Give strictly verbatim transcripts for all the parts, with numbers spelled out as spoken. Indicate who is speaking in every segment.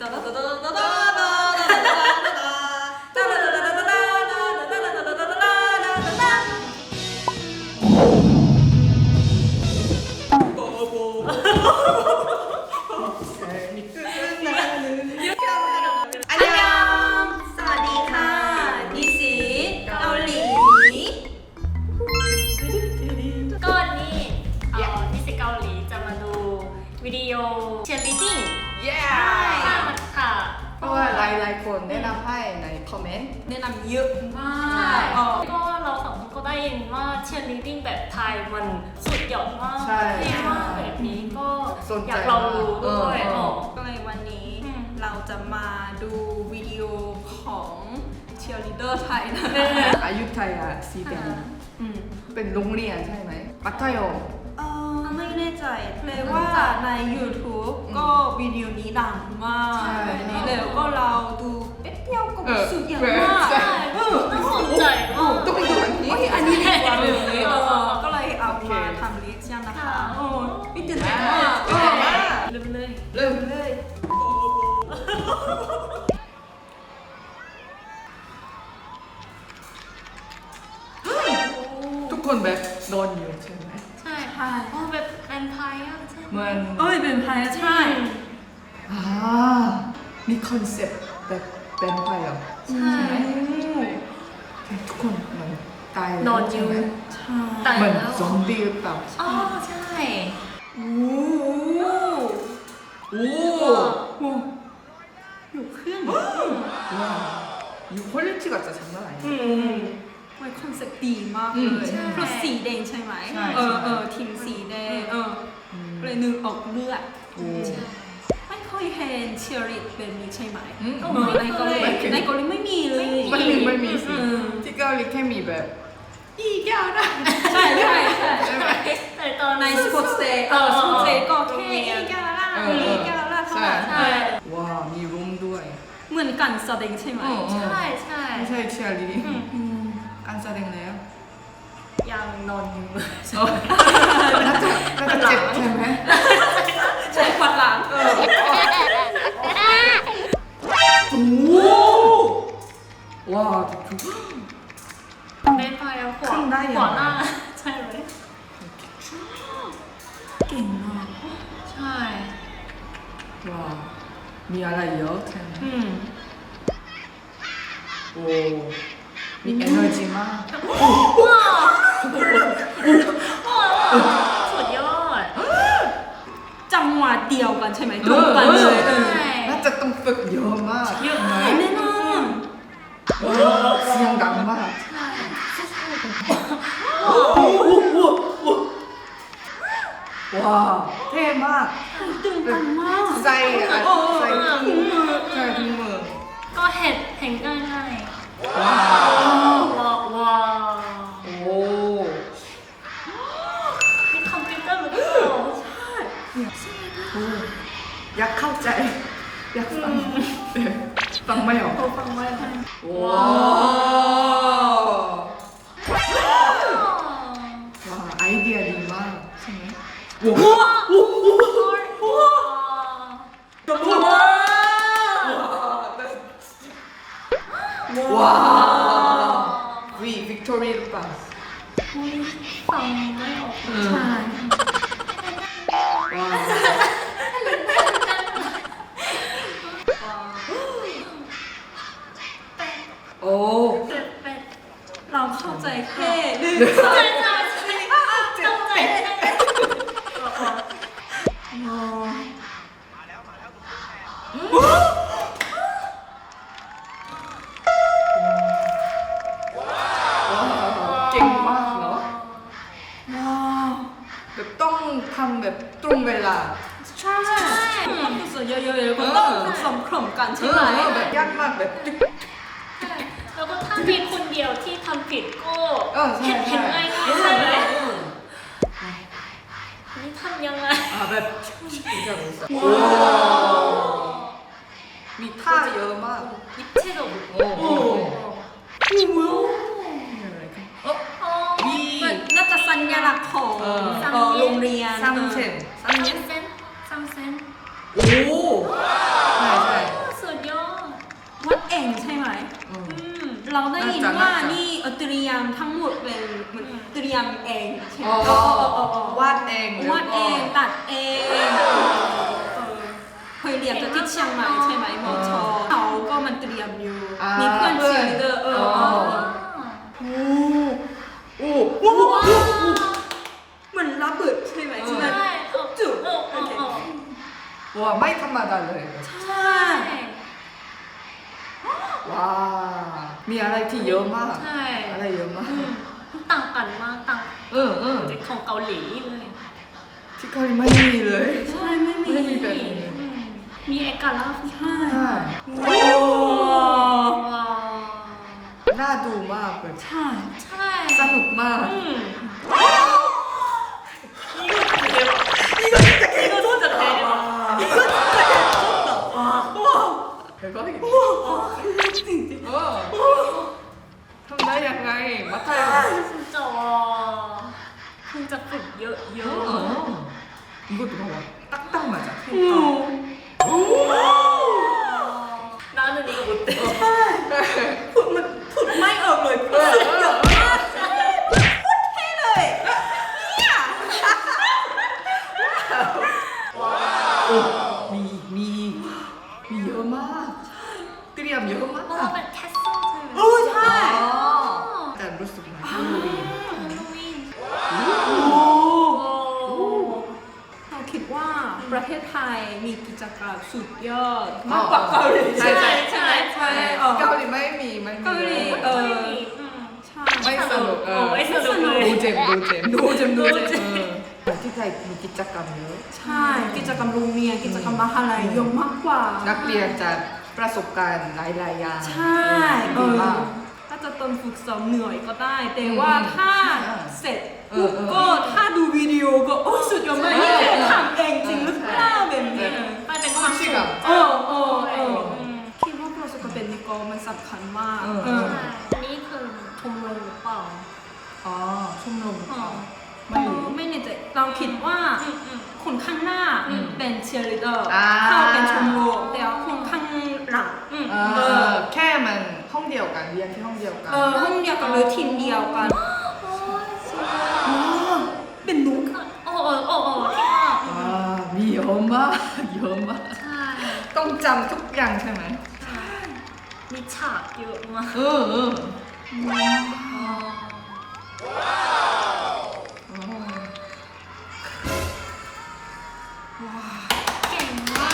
Speaker 1: วิดีโอเชียร์ลีดดิ้ง
Speaker 2: yeah
Speaker 1: ค่ะ
Speaker 2: เพราะว่าหลายๆคนแนะนำให้ในคอมเมนต์
Speaker 3: แนะนำเยอะมาก
Speaker 1: ก็เราสองคนก็ได้ยินว่าเชียร์ลีดดิ้งแบบไทยมันสุดยอดมาก
Speaker 2: ใช่
Speaker 1: เท่มากแบบนี้ก็
Speaker 2: สนใจ
Speaker 1: อยากลองดูด้วย
Speaker 2: เออ
Speaker 1: อ๋อ
Speaker 3: ก็เลยวันนี้
Speaker 1: อืม
Speaker 3: เราจะมาดูวิดีโอของเชียร์ลีดเดอร์ไทยนะ
Speaker 2: อยุธยาสีแดง
Speaker 3: อืม
Speaker 2: เป็นโรงเรียนใช่ไหมมัธยม
Speaker 3: เออไม่แน่ใจเลยว่าใน YouTube ก็วิดีโอนี้ดังมาก
Speaker 2: ใช่
Speaker 3: แบบนี้เลยก็เราดูแป๊บเดียวก็
Speaker 2: เออ
Speaker 3: สุดยอด
Speaker 2: เออ
Speaker 3: มาก
Speaker 2: ใช่
Speaker 3: เออ
Speaker 1: น่าสนใจมาก
Speaker 2: ต้องดูอันนี้
Speaker 3: โอ้ยอันนี้ดีกว่าเลยเอ
Speaker 1: เออ
Speaker 3: อก็เลยเอา
Speaker 2: โอเค
Speaker 3: มาทำรีแอคชั่นนะคะ
Speaker 1: ค่ะ
Speaker 3: โอ้ยพี่ตื่นเต้นมาก
Speaker 2: เออมา
Speaker 1: เริ่มเลย
Speaker 2: เริ่ม
Speaker 3: เลย
Speaker 2: ทุกคนแบบนอนอยู่ใช่ไหม
Speaker 1: ใช่ค่ะโอ้แบบแวมไพร์อะใช่ไหม
Speaker 2: เหมือน
Speaker 3: เอ้ยเป็นพายใช่
Speaker 2: อ่ามีคอนเซ็ปต์แบบเป็นไปเหรอ
Speaker 1: ใช่
Speaker 2: ทุกคนมันตายแล้ว
Speaker 1: นอนอยู่
Speaker 2: ใช่ไหม
Speaker 3: ใช่
Speaker 1: ตาย
Speaker 2: เหมือน
Speaker 1: แล้ว
Speaker 2: ซอมบี้หรือเปล่า
Speaker 1: อ๋อใช่
Speaker 3: โอ้
Speaker 2: โอ้
Speaker 3: โหอยู่ขึ้น
Speaker 2: ว้าวยู퀄리티가 진짜 장난
Speaker 1: อื
Speaker 2: 아니야
Speaker 1: ม
Speaker 3: ไว้คอนเซ็ปต์ดีมาก
Speaker 2: อื
Speaker 3: เล
Speaker 2: ม
Speaker 3: ย
Speaker 1: ใช่
Speaker 3: เพราะสีแดงใช่ไหม
Speaker 2: ใช่
Speaker 3: เออ
Speaker 2: ใช่
Speaker 3: เออทีมสีแดงเออ
Speaker 2: อืม
Speaker 3: เลยนึกออกเลือด
Speaker 2: โอ้
Speaker 3: ไม่ค่อยเห็นเชียร์ลีดแบบนี้ใช่ไหม
Speaker 2: อืม
Speaker 3: เออในเกาหลี
Speaker 2: ไม่เคย
Speaker 3: ในเกาหลีไม่มีเลย
Speaker 2: ไม่มีไม่มีสิ
Speaker 3: อืม
Speaker 2: ที่เกาหลีแค่มีแบบอีแก้วนะ
Speaker 3: ใช่ใช่ใช่
Speaker 2: ใช่ไหม
Speaker 1: แต่ตอน
Speaker 3: ในสปอร์ตเซย์เออสปอร์ตเซย์ก็แค่อีกาล่า
Speaker 2: เออ
Speaker 3: อีกาล่าเท่านั้น
Speaker 2: ใช่
Speaker 3: ใช่
Speaker 2: ว้าวมีรูมด้วย
Speaker 3: เหมือนกันแสดงใช่ไหม
Speaker 2: อืม
Speaker 1: ใช่ใช่
Speaker 2: ไม่ใช่เชียร์ลีด
Speaker 1: อืม
Speaker 3: อืม
Speaker 2: การแสดงแล้ว
Speaker 1: ยังนอนอยู่
Speaker 2: น่าจะน่าจะเจ็บใช่ไหม
Speaker 3: ใช่ควันหลัง
Speaker 2: เออโอ้ว้าวทุก
Speaker 1: แม่พายเอาขวา
Speaker 2: ขึ้นได้ยังไง
Speaker 1: ขวาหน้าใช่ไหม
Speaker 3: เก่งมาก
Speaker 1: ใช่
Speaker 2: ว้าวมีอะไรเยอะใช่ไหม
Speaker 1: อืม
Speaker 2: โอ้มี energy มาก
Speaker 1: ว้าวว้าวสุดยอด
Speaker 3: จังหวะเดียวกันใช่ไหมตรงกันเลย
Speaker 1: ใช่
Speaker 2: น่าจะต้องฝึกเยอะมาก
Speaker 1: เยอะ
Speaker 2: ไหม
Speaker 1: มาก
Speaker 3: แน่นอน
Speaker 2: เออเสียงดังมาก
Speaker 1: ใช่
Speaker 2: ว้าวเท่มาก
Speaker 3: ตื่นเต้นมาก
Speaker 2: ใส่อะ
Speaker 3: โอ้
Speaker 2: ใส่ถุงมือใส่ถุงมือ
Speaker 1: ก็เห็นเห็นง่ายง่าย
Speaker 2: ว้าว
Speaker 1: ว้าวว้าว
Speaker 2: โอ้
Speaker 1: มีคอมพิวเตอร์หรือเปล่า
Speaker 2: โอ้อยากเข้าใจ อยากฟังฟังไม่ออก
Speaker 1: เขาฟังไม่ได้
Speaker 2: ว้าวว้าวไอเดียดีมากใช่ไหมว้าวว้าววีวิกตอเรียหรือเปล่า
Speaker 1: ฟังไม่ออก
Speaker 3: ใช่
Speaker 2: ว้าวโอ้
Speaker 1: เป็ดเป็ด
Speaker 3: เราเข้าใจแค่หนึ่ง
Speaker 1: ใช่ใช่ใช่จงใจใช่ไหม
Speaker 2: เก่งมากเนาะ
Speaker 3: ว้าว
Speaker 2: แบบต้องทำแบบตรงเวลา
Speaker 3: ใช่ต้องฝึกฝนเยอะๆแล้วก็ต้องฝึกซ้อมคล่อมกันใช่ไหม
Speaker 2: เออแบบยากมากแบบติ๊ก
Speaker 1: แล้วก็ถ้ามีคนเดียวที่ทำผิดก็
Speaker 2: เออใช่
Speaker 1: เห็น
Speaker 2: ใช่
Speaker 1: เห็นง่ายๆใช่ไหมนี่ทำยังไง
Speaker 2: อ่าแบบโอ้มีท่าเยอะมาก
Speaker 1: 입체도
Speaker 2: โอ้โห
Speaker 1: 어? 어?
Speaker 2: มี
Speaker 3: มันน่าจะสัญลักษณ์ของ
Speaker 2: เออ
Speaker 3: เอ่อโรงเรียน
Speaker 2: ซัมเชน
Speaker 1: 삼 센? 삼 센?
Speaker 2: โอ้ใช่ใช่
Speaker 3: มทั้งหมดเป็นเหมันเตรียมเองใช่ไหม
Speaker 2: อ๋อ
Speaker 3: เออเออเออ
Speaker 2: วาดเอง
Speaker 3: วาดเองตัดเองเออเคยเรียนจากที่เชียงใหม่ใช่ไหมมอชอเขาก็มันเตรียมอยู่
Speaker 2: อ่ามี
Speaker 3: มีเพื่อนเชียร์ลีดเดอร์เออเออเออ
Speaker 2: โอ้
Speaker 3: โอ้โหเหมือนระเบิดใช่ไหมใช่ไหม
Speaker 1: ใช่เออ
Speaker 3: จุด
Speaker 1: เออเออเออ
Speaker 2: ว้าไม่ธรรมดาเลย
Speaker 3: ใช่
Speaker 2: ว้ามีอะไรที่เยอะมาก
Speaker 1: ใช่
Speaker 2: อะไรเยอะมาก
Speaker 1: อืมต่างกันมากต่าง
Speaker 2: เออเออ
Speaker 1: จากของเกาหลีเลย
Speaker 2: ที่เกาหลีไม่มีเลย
Speaker 3: ใช่ไม่มี
Speaker 2: ไม่มีแบบนี้
Speaker 1: อืมมีเอกลักษณ์
Speaker 3: ใช่
Speaker 2: ใช่
Speaker 3: โอ้
Speaker 1: ว้าว
Speaker 2: น่าดูมากเลย
Speaker 3: ใช่
Speaker 1: ใช่
Speaker 2: สนุกมาก
Speaker 1: อืม이거진짜대박이거진짜대박
Speaker 2: 대박이다เออทำได้ยังไงมัธยม
Speaker 1: 진짜 와คงจะฝึกเยอะเย
Speaker 2: 어.
Speaker 1: อะ
Speaker 2: 이것도 봐봐 딱딱 맞아
Speaker 1: 나는 이거 못해
Speaker 3: พูดมันพูดไม่ออกเลยพูดเยอะมากใช่พูดเท่เลยเนี่ย
Speaker 2: 미, 미, 미 여마 띠리암
Speaker 1: เพราะว่า
Speaker 2: 여마
Speaker 1: เป็นแคสเซิลใช่ไหม
Speaker 3: โอ้ใช่
Speaker 2: 약간 루스 말 할로윈
Speaker 1: ฮาโลวีน
Speaker 3: โอ้
Speaker 1: โอ้
Speaker 3: เราคิดว่าประเทศไทยมีกิจกรรมสุดยอดมากกว่าเกาหลี
Speaker 2: ใช่ใช่
Speaker 3: ใช่ใช่เออ
Speaker 2: เกาหลีไม่มีไม่มี
Speaker 3: เกาหลี เออ
Speaker 1: ไม่มีอืม
Speaker 3: ใช่
Speaker 2: ไม่สนุกเอ
Speaker 1: โอ้
Speaker 2: อ
Speaker 1: ไม่สนุกเลย
Speaker 2: ดูเจมดูเจม
Speaker 3: ดูเจมดูเจม
Speaker 2: เออที่ไทยมีกิจกรรมเยอะ
Speaker 3: ใช่กิจกรรมโรงเรียนกิจกรรมมหาลัยเยอะมากกว่า
Speaker 2: นักเรียนจะประสบการณ์หลายๆอย่าง
Speaker 3: ใช่เอ
Speaker 2: ดี
Speaker 3: อ
Speaker 2: มาก
Speaker 3: ถ้าจะต้นฝึกซ้อมเหนื่อยก็ได้ แต่ว่าถ้า
Speaker 2: ใช่
Speaker 3: เสร็จ
Speaker 2: เอ
Speaker 3: ปุ๊
Speaker 2: อบ เออ
Speaker 3: ก็ถ้าดูวิดีโอก็โอ้สุดยอดมาก
Speaker 2: ใช่
Speaker 3: นี่คือทำเองจริงหรือเปล่าแบบนี้
Speaker 1: มันเป็นความสุข
Speaker 3: เออเออเออ
Speaker 1: อืม
Speaker 3: คิดว่าประสบการณ์เป็นนิโกมันสำคัญมาก
Speaker 2: เออ
Speaker 3: เออ
Speaker 1: ใช่อันนี้คือชมรมหรือเปล่า
Speaker 2: อ๋อชมรม
Speaker 1: อ๋อ
Speaker 3: เออไม่แน่ใจเราคิดว่า
Speaker 1: อืมอืม
Speaker 3: คนข้างหน้า
Speaker 1: อืม
Speaker 3: เป็นเชียร์ลีดเดอร์
Speaker 2: อ่า
Speaker 3: เข้าเป็นชมรมแต่ว่าคนข้างหลัง
Speaker 1: อืม
Speaker 2: เออแค่มันห้องเดียวกันเรียนที่ห้องเดียวกัน
Speaker 3: เออห้องเดียวกันหรือทีมเดียวกัน
Speaker 1: โอ้ยสวย
Speaker 3: อ๋อเป็นนุ๊ก
Speaker 1: โอ้โอ้โอ้โอ้ที่ว่า
Speaker 2: อ่ามีเยอะมากเยอะมาก
Speaker 1: ใช่
Speaker 2: ต้องจำทุกอย่างใช่ไหม
Speaker 1: ใช่มีฉากเยอะมาก
Speaker 2: เออเออ
Speaker 1: เก่งมาก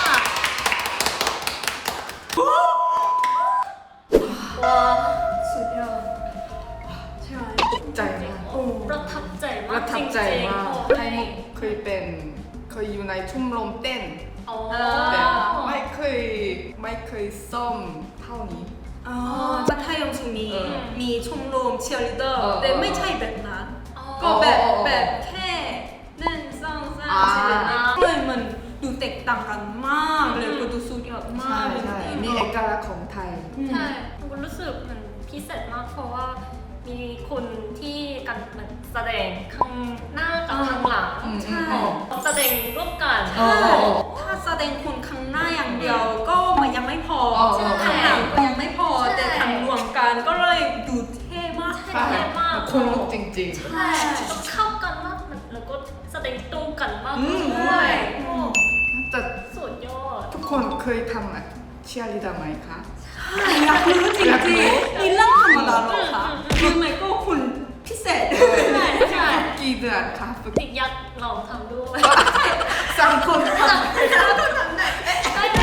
Speaker 1: ว้า
Speaker 3: สุดยอดใช่
Speaker 2: ใจมาก
Speaker 1: โอ้ประทับใจ
Speaker 2: ป
Speaker 1: มาก
Speaker 2: ระทับใจมาก
Speaker 1: จริงๆ
Speaker 2: ไทยมุกเคยเป็นเคยอยู่ในชุ่มลมเต้น
Speaker 1: โอ้
Speaker 2: แต่ไม่เคยไม่เคยซ่อมเท่านี้
Speaker 3: อ๋อมัธยมถึงมี
Speaker 2: เออ
Speaker 3: มีชมรมเชียร์ลีดเดอร์
Speaker 2: เออ
Speaker 3: แต่ไม่ใช่แบบนั้น
Speaker 1: อ๋อ
Speaker 3: ก็แบบ
Speaker 2: อ๋อ
Speaker 3: แบบแค่หนึ่งสองสาม
Speaker 2: อ่า
Speaker 3: ใช่แบบนี้เลยมันดูแตกต่างกันมากเลยก็ดูสุดยอดมา
Speaker 2: ใช่
Speaker 3: กแบบ
Speaker 2: ใช่
Speaker 3: นี้
Speaker 2: มีเอกลักษณ์ของไทย
Speaker 3: อืม
Speaker 1: ใช่มันรู้สึกมันพิเศษมากเพราะว่ามีคนที่กันเหมือนแสดงข้างหน้ากับข้างหลัง
Speaker 2: อืม
Speaker 3: ใช่
Speaker 1: แสดงร่วมกัน
Speaker 2: อ๋อ
Speaker 3: ใช่ถ้าแสดงคุณข้างหน้าอย่างเดียวก็มันยังไม่พอ
Speaker 2: อ๋อ
Speaker 3: ข้างหลังก็ยังไม่พอ
Speaker 1: ใช่
Speaker 3: แต่ทำรวมกันก็เลยดูเท่มาก
Speaker 1: ใช่เท่มาก
Speaker 2: คนลุกจริง
Speaker 1: ใช่ต้องเข้ากันมากแล้วก็แสดงตรงกันมาก
Speaker 2: อืม
Speaker 1: ด้วยโอ้
Speaker 2: ๆแต่
Speaker 1: สุดยอด
Speaker 2: ทุกคนเคยทำอะเชียร์ลีดเดอร์ไหมคะ
Speaker 3: อยากรู้จริง
Speaker 2: อยากรู้
Speaker 3: ๆนี่เรื่องธรรมดาเหรอคะคือไมโก้คุณพิเศษ
Speaker 1: ใช่ใช่
Speaker 2: กี่เดือนคะฝึก
Speaker 1: ติกยักษ์ลองทำด้วย
Speaker 2: สามคนทำ
Speaker 1: ได้ได้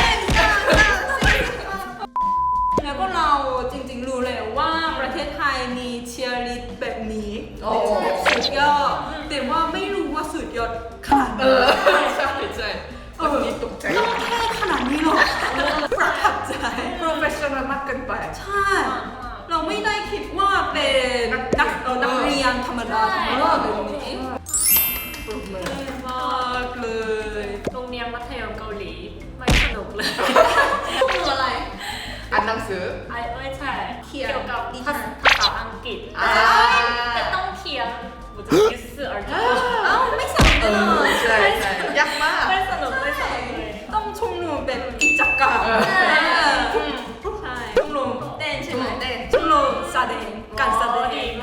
Speaker 3: แล้วก็เราจริงๆรู้เลยว่าประเทศไทยมีเชียร์ลีดแบบนี้
Speaker 2: โอ้
Speaker 3: แบบสุดยอดแต่ว่าไม่รู้ว่าสุดยอดขนาดไหน
Speaker 2: เออใช่ใช่เมื่อกี้ตกใจ
Speaker 3: ต้องเท่ขนาดนี้หรอประทับใจ
Speaker 2: professional มากเกินไป
Speaker 3: ใช่ เราไม่ได้คิดว่าเป็นนักเอ่อนักเรียนธรรมดาธรรมดาแบบนี้
Speaker 2: ปรบมือ
Speaker 3: เท่มากเลย
Speaker 1: โรงเรียนมัธยมเกาหลีไม่สนุกเลย
Speaker 3: คืออะไร
Speaker 2: อ่านหนังสือ
Speaker 1: ไอ้ไม่ใช่
Speaker 3: เขียน
Speaker 1: เกี่ยวกับ
Speaker 3: นิ
Speaker 1: ภา
Speaker 3: ทาน
Speaker 1: ษาภาษาอังกฤษ
Speaker 2: อ่า
Speaker 1: แต่ต้องเขียน我的意思而已
Speaker 3: เอ้าไม่สนุก
Speaker 2: เอ
Speaker 3: เล
Speaker 2: อย ใช่ใช่ยากมาก
Speaker 1: ไม่สนุกไม่สนุกเลย
Speaker 3: ต้องชมรมแบบกิจกรรม
Speaker 2: เออ
Speaker 3: ใช่ใช่ชมรมเต้นใช่ไหม
Speaker 2: ชมรมเต้น
Speaker 3: ชมรมแสดงการแสดง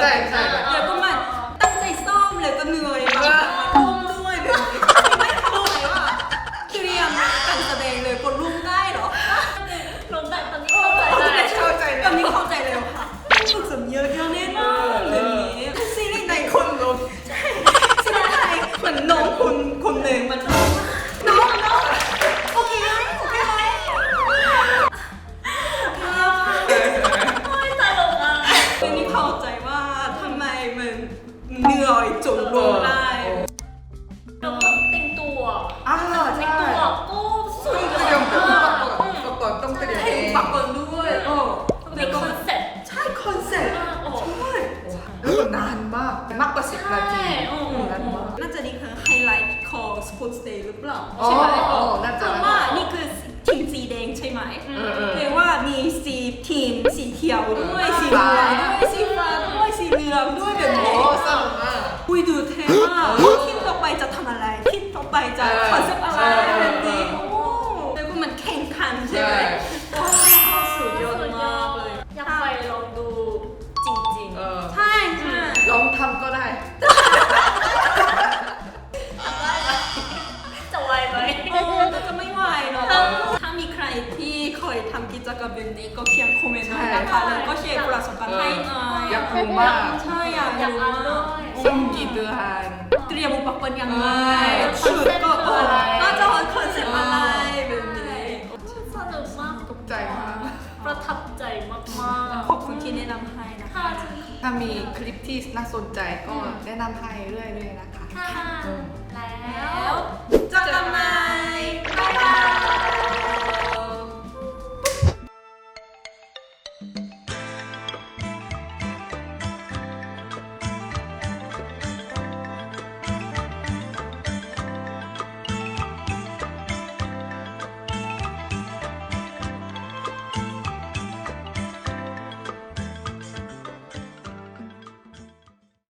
Speaker 2: ใช่ใช่
Speaker 3: แล้วก็มันตั้งใจซ่อมเลยก็เหนื่อยบางครั้งมันรุ่มด้วยแบบนี้ไม่เข้าใจว่าเตรียมการแสดงเลยกดรุ่มได้เหรอ
Speaker 1: ลงได้ตอนนี้เข้าใจได้
Speaker 2: เข้าใจ
Speaker 3: ตอนนี้เข้าใจแล้วค่ะฝึกสำเยอะเยอะแน่นอนแบบนี้ซีรีส์ในคนลงใช่ซีรีส์ไทยเหมือนน้องคนคนหนึ่งมันน้องน้องน้องโอเคไหมโอเคไหมโอเค
Speaker 1: โอ้ยตลกอ่ะ
Speaker 3: ไม่ได้เข้าใจว่าทำไมมันเหนื่อยจนลงได้
Speaker 1: แล้วก็แต่งตัว
Speaker 2: อ่า
Speaker 1: แต่
Speaker 2: ใช่
Speaker 1: งตัวก็สุด
Speaker 2: เต
Speaker 1: ย
Speaker 2: รีย
Speaker 1: อ
Speaker 2: ม
Speaker 1: ด
Speaker 2: ตัว
Speaker 1: มาก
Speaker 2: ประกอบต้องเตรียม
Speaker 3: ให้
Speaker 2: เอง
Speaker 3: ปักก่อนด้วยโอ้
Speaker 1: มีคอนเซ็ปต์
Speaker 3: ใช่คอนเซ็ปต์
Speaker 1: โอ้
Speaker 3: ใช่
Speaker 2: แล้วก็นานมากมากกว่าสิบนาที
Speaker 1: ใช่โอ้โห
Speaker 2: นานมาก
Speaker 3: น่าจะนี่คือไฮไลท์ของ Sports Day หรือเปล่า
Speaker 2: อ๋อ
Speaker 3: ใช่ไหม
Speaker 2: อ๋อน่าจะ
Speaker 3: เพราะว่านี่คือทีมสีแดงใช่ไหม
Speaker 2: เออเออ
Speaker 3: เรียกว่ามีสีทีมสีเขียวด้วยสีเหลืองด้วยสีฟ้าด้วยสีเหลืองด้วยแบบ
Speaker 2: โอ้
Speaker 3: นี้
Speaker 2: สนุกมาก
Speaker 3: คุยดูเท่มากทีมต่อไปจะทำอะไรทีมต่อไปจะ
Speaker 2: เออ
Speaker 3: คอนเซ็ปต์อะไร
Speaker 2: เออ
Speaker 3: แบบนี้โอ้แล้วก็มันแข่งขันใช่ไหม
Speaker 2: ใช่
Speaker 3: โอ้สุดยอดมากเลย
Speaker 1: อยากไปลองดูจริง
Speaker 2: เออ
Speaker 3: ใช่ใช่
Speaker 2: ลองทำก็ได้
Speaker 1: ๆจะไหวไหม
Speaker 3: โอ้แต่จะไม่ไหวเนาะถ้ามีใครที่เคยทำกิจกรรมแบบนี้ก็เขียนคอมเมนต์หน่อยนะคะแล้วก็แชร์ประสบการณ์ให้หน่อย
Speaker 2: อยากรู้มาก
Speaker 3: ใช่อยาก
Speaker 1: อยาก
Speaker 3: รู้
Speaker 1: อ่าน
Speaker 3: มา
Speaker 1: ด้ว
Speaker 3: ก
Speaker 1: ย
Speaker 2: ซ่อมกี่เดือน
Speaker 3: เตรียมอุปกรณ์ยังไง
Speaker 2: เออ
Speaker 3: ชุดก็
Speaker 1: คอนเซ็ปต์คืออะไร
Speaker 3: ก็จะคอนเซ็ปต์อะไรแบบนี้
Speaker 1: สนุกมาก
Speaker 2: ตกใจมาก
Speaker 1: ประทับใจมากๆ
Speaker 3: ขอบคุณที่แนะนำให้นะ
Speaker 1: ค่ะ
Speaker 3: คะ
Speaker 2: ถ้ามีคลิปที่น่าสนใจก็แนะนำให้เรื่อยๆนะคะ
Speaker 1: ค่ะ
Speaker 2: อืม
Speaker 1: แล้ว